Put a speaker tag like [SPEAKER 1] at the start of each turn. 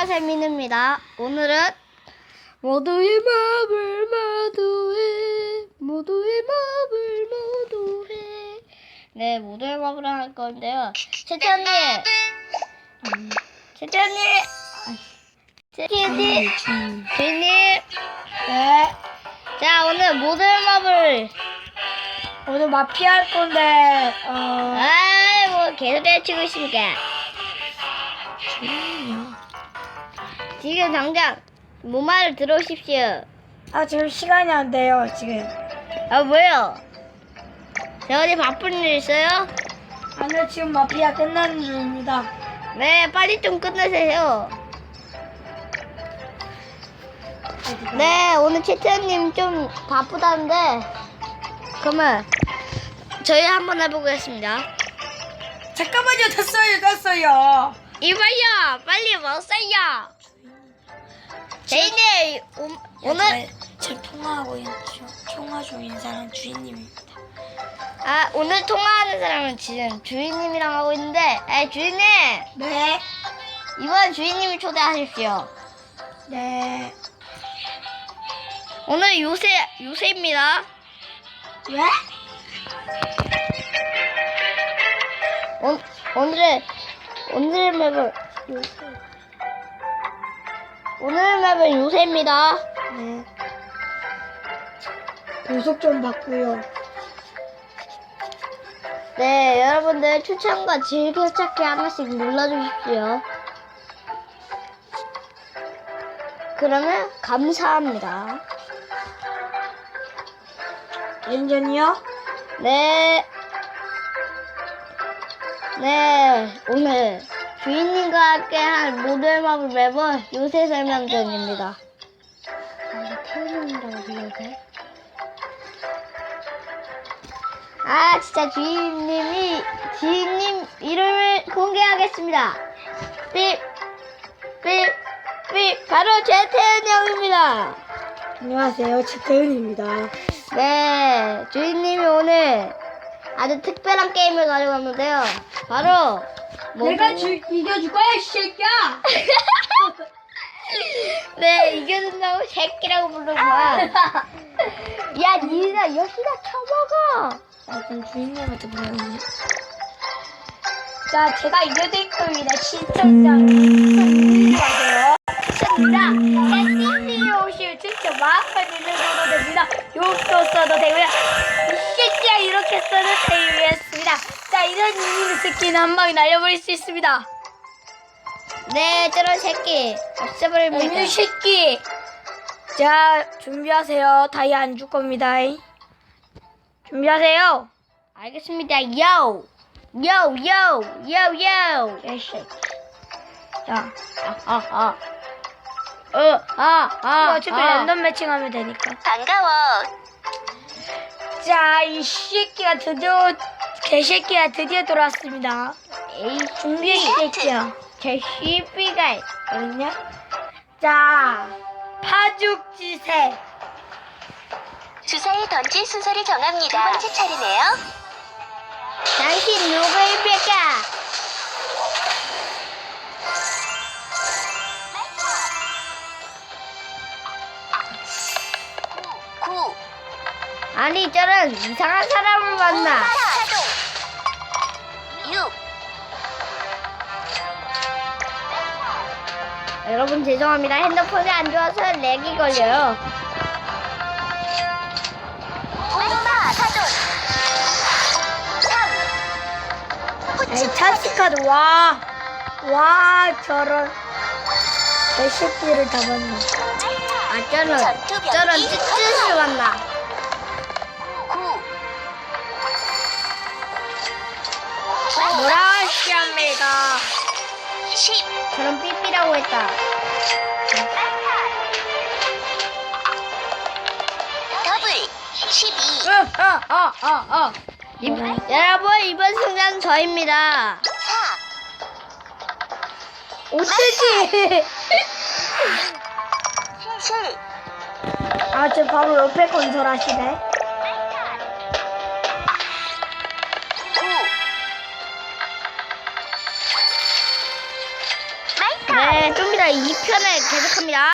[SPEAKER 1] 세민입니다. 오늘은 모두의 마음을 모두해. 네, 모두의 마음을 할 건데요. 채찬님, 주인님. 네. 자, 오늘 모두의 마음을
[SPEAKER 2] 오늘 마피아 할 건데,
[SPEAKER 1] 뭐 계속 해치고 있습니까? 지금 당장 뭐 말을 들어오십시오.
[SPEAKER 2] 지금 시간이 안 돼요, 지금.
[SPEAKER 1] 뭐요? 제가 어디 바쁜 일 있어요?
[SPEAKER 2] 아니요, 지금 마피아 끝나는 중입니다.
[SPEAKER 1] 네, 빨리 좀 끝내세요. 네, 오늘 채태님 좀 바쁘다는데, 그러면 저희 한번 해보겠습니다.
[SPEAKER 2] 잠깐만요, 됐어요.
[SPEAKER 1] 이봐요, 빨리 먹어요. 제이님, 오늘
[SPEAKER 2] 저 통화하고 있는 통화 중인 사람 주인님입니다.
[SPEAKER 1] 오늘 통화하는 사람은 지금 주인님이랑 하고 있는데, 주인님,
[SPEAKER 2] 네.
[SPEAKER 1] 이번 주인님을 초대하십시오.
[SPEAKER 2] 네.
[SPEAKER 1] 오늘 요새입니다.
[SPEAKER 2] 왜?
[SPEAKER 1] 오늘 맵은 요새입니다.
[SPEAKER 2] 네. 보석 좀 받고요.
[SPEAKER 1] 네, 여러분들 추천과 즐겨찾기 하나씩 눌러주십시오. 그러면 감사합니다.
[SPEAKER 2] 렌전이요?
[SPEAKER 1] 네, 오늘 주인님과 함께 할 모두의 마블 맵은 요새 설명전입니다. 태우는다고 불러도 돼? 진짜 주인님 이름을 공개하겠습니다. 삐, 바로 최태현 형입니다.
[SPEAKER 2] 안녕하세요, 최태은입니다.
[SPEAKER 1] 네, 주인님이 오늘 아주 특별한 게임을 가지고 왔는데요. 바로
[SPEAKER 2] 이겨줄 거야, 이 새끼야!
[SPEAKER 1] 네, 이겨준다고 새끼라고 부른 거야. 야, 니나 여기다 쳐먹어.
[SPEAKER 2] 그럼 주인님한테 물어보네. 자, 제가 이겨드릴 겁니다. 시청자님. 하세요.
[SPEAKER 1] 좋습니다. 채팅이 오시면 진짜 마음만 있는 써도 됩니다. 욕도 써도 되고요. 이 새끼야 이렇게 써도 되겠습니다.
[SPEAKER 2] 자, 이런 이미지 스킨 한 방에 날려버릴 수 있습니다.
[SPEAKER 1] 네, 저런 새끼 없애버립니다.
[SPEAKER 2] 이 새끼. 자, 준비하세요. 다이 안 줄 겁니다. 준비하세요.
[SPEAKER 1] 알겠습니다. 요.
[SPEAKER 2] 이 새끼. 자, 어차피 랜덤 매칭하면 되니까.
[SPEAKER 1] 반가워.
[SPEAKER 2] 자, 이 새끼가 개새끼가 드디어 돌아왔습니다.
[SPEAKER 1] 에이,
[SPEAKER 2] 준비해, 이 새끼야.
[SPEAKER 1] 제 씨비가
[SPEAKER 2] 어딨냐? 자, 파죽지세.
[SPEAKER 3] 주사위 던질 순서를 정합니다. 두 번째 차례네요.
[SPEAKER 1] 당신 누구입니까?
[SPEAKER 3] 구.
[SPEAKER 1] 아니, 저런 이상한 사람을 만나.
[SPEAKER 3] 파동. 6.
[SPEAKER 1] 여러분 죄송합니다. 핸드폰이 안 좋아서 렉이 걸려요.
[SPEAKER 3] 엄마 사돈. 3.
[SPEAKER 2] 에이, 찬스카드, 와, 저런 개새끼를 잡았네.
[SPEAKER 1] 저런 찌찌를 만나.
[SPEAKER 3] 9.
[SPEAKER 2] 뭐라 하시합니까?
[SPEAKER 3] 10.
[SPEAKER 1] 저런 삐삐라고 했다.
[SPEAKER 3] 더블. 12.
[SPEAKER 1] 여러분 이번 승자는 저입니다.
[SPEAKER 3] 4.
[SPEAKER 2] 어쩌지?
[SPEAKER 3] 7.
[SPEAKER 2] 저 바로 옆에 건설하시네.
[SPEAKER 3] 9.
[SPEAKER 1] 네, 좀 이따
[SPEAKER 2] 얘들아 2편을 계속합니다.